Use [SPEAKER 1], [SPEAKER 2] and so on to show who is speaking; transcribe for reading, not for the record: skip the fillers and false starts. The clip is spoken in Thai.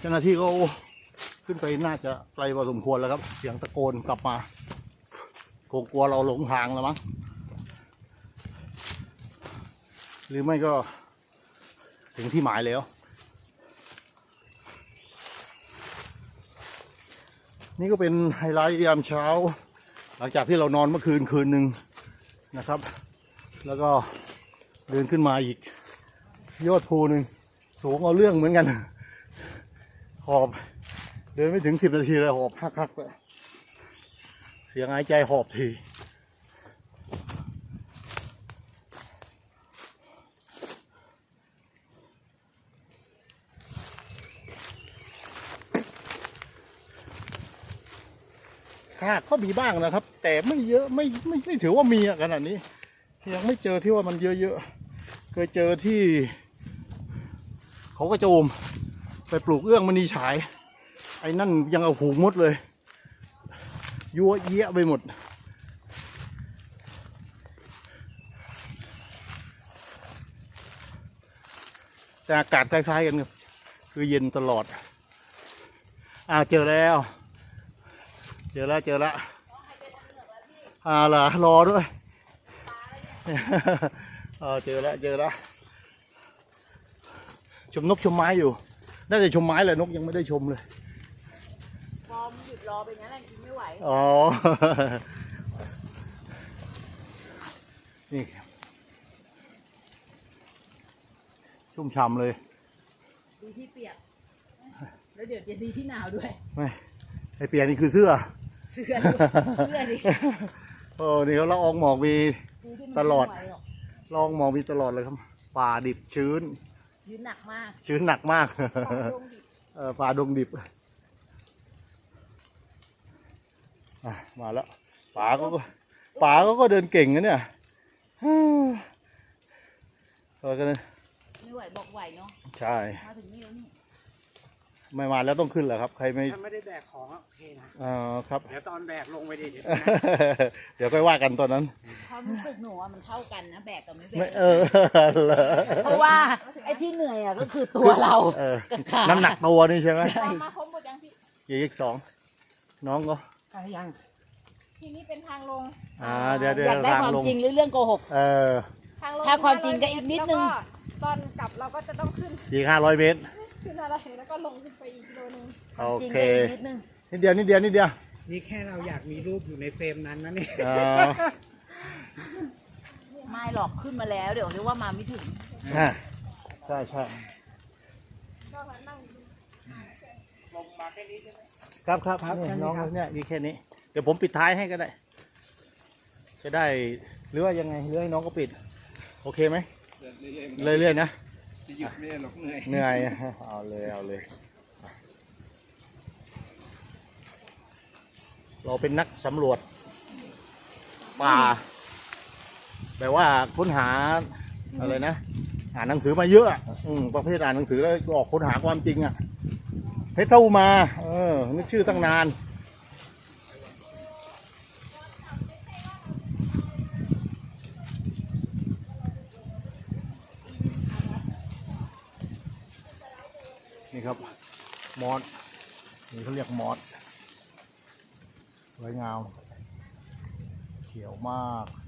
[SPEAKER 1] จ้าหน้าที่เขาขึ้นไปน่าจะไกลพอสมควรแล้วครับเสียงตะโกนกลับมาคงกลัวเราหลงทางแล้วมั้งหรือไม่ก็ถึงที่หมายแล้วนี่ก็เป็นไฮไลท์ยามเช้าหลังจากที่เรานอนเมื่อคืนหนึ่งนะครับแล้วก็เดินขึ้นมาอีกยอดภูหนึ่งสูงเอาเรื่องเหมือนกันหอบเดินไม่ถึง10 นาทีเลยหอบคักๆเลยเสียงหายใจหอบทีค่ะก็มีบ้างนะครับแต่ไม่เยอะไม่ถือว่ามีขนาดนี้ยังไม่เจอที่ว่ามันเยอะๆเคยเจอที่เขากระโจมไปปลูกเอื้องมณีฉายไอ้นั่นยังเอาหูมดเลยยั่วเยี่ยไปหมดแต่อากาศคล้ายๆกันครับคือเย็นตลอดเจอแล้วเจอแล้วเหรอรอด้วยเจอแล้วชมนกชมไม้อยู่น่าจะชมไม้เลยนกยังไม่ได้ชมเลย
[SPEAKER 2] พอมหยุดรอไปงั้นแหละกินไม่ไหว
[SPEAKER 1] นี่ชุ่มฉ่ำเลย
[SPEAKER 2] ดีที่เปียกแล้วเดี๋ยวจะดีที่หนาวด้วย
[SPEAKER 1] ไม่ไอเปียกนี่คือเสื้อ
[SPEAKER 2] ดิ
[SPEAKER 1] นี่เขาละอองหมอกมีตลอดละอองหมอกมีตลอดเลยครับป่าดิบชื้น
[SPEAKER 2] หนักมาก
[SPEAKER 1] ป่าดงดิบมาแล้วป่าก็เดินเก่งนะเนี่ยกัน
[SPEAKER 2] ไม่ไหวบอกไหวเนาะ
[SPEAKER 1] ใช่
[SPEAKER 2] มาถึงนี่แล้วนี่
[SPEAKER 1] ไม่มาแล้วต้องขึ้นเหรอครับใครไม่
[SPEAKER 3] ได้แบกของโอเค
[SPEAKER 1] นะครับ
[SPEAKER 3] เดี๋ยวตอนแบกลงไปดิ
[SPEAKER 1] เดี๋ยวค่อยว่ากันตอนนั้น
[SPEAKER 2] ความรู้สึกหนูมันเท่ากันนะแบกกับไม่แบกเพราะว่าไอ้ที่เหนื่อยก็คือตัวเรา
[SPEAKER 1] น้ำหนักตัวนี่ใช่ไหม
[SPEAKER 2] มาครบหมดยังพี่
[SPEAKER 1] อีก2น้องก็
[SPEAKER 3] ยัง
[SPEAKER 2] ทีนี้เป็นทางลง
[SPEAKER 1] เดี๋ยว
[SPEAKER 2] อยากได้ความจริงหรือเรื่องโกหกถ้าความจริงก็อีกนิดนึง
[SPEAKER 4] ตอนกลับเราก็จะต้องขึ้น
[SPEAKER 1] อีก500 เมตร
[SPEAKER 4] ขึ้นอะไรแล้วก็ลงขึ้นไปอีกกิโลนึง
[SPEAKER 1] โอเคนิดเดียว
[SPEAKER 3] นี่แค่เราอยากมีรูปอยู่ในเฟรมนั้นนะเนี่ย
[SPEAKER 2] ไม่หรอกขึ้นมาแล้วเดี๋ยวเรียกว่ามาไม่ถึง
[SPEAKER 1] ใช่
[SPEAKER 3] ลงมาแค่นี้ใช่ไหม
[SPEAKER 1] ครับน้องเนี่ยมีแค่นี้เดี๋ยวผมปิดท้ายให้ก็ได้จะได้หรือว่ายังไงหรือให้น้องก็ปิดโอเคไหมเรื่อยๆนะ
[SPEAKER 3] หยุดไม่ได้หรอก
[SPEAKER 1] เหนื่อยเอาเลยเราเป็นนักสำรวจป่าแต่ว่าค้นหาอะไรนะอ่านหนังสือมาเยอะประเภทอ่านหนังสือแล้วออกค้นหาความจริงเพชรพระอุมานึกชื่อตั้งนานนี่ครับมอสนี่เขาเรียกมอสสวยงามเขียวมาก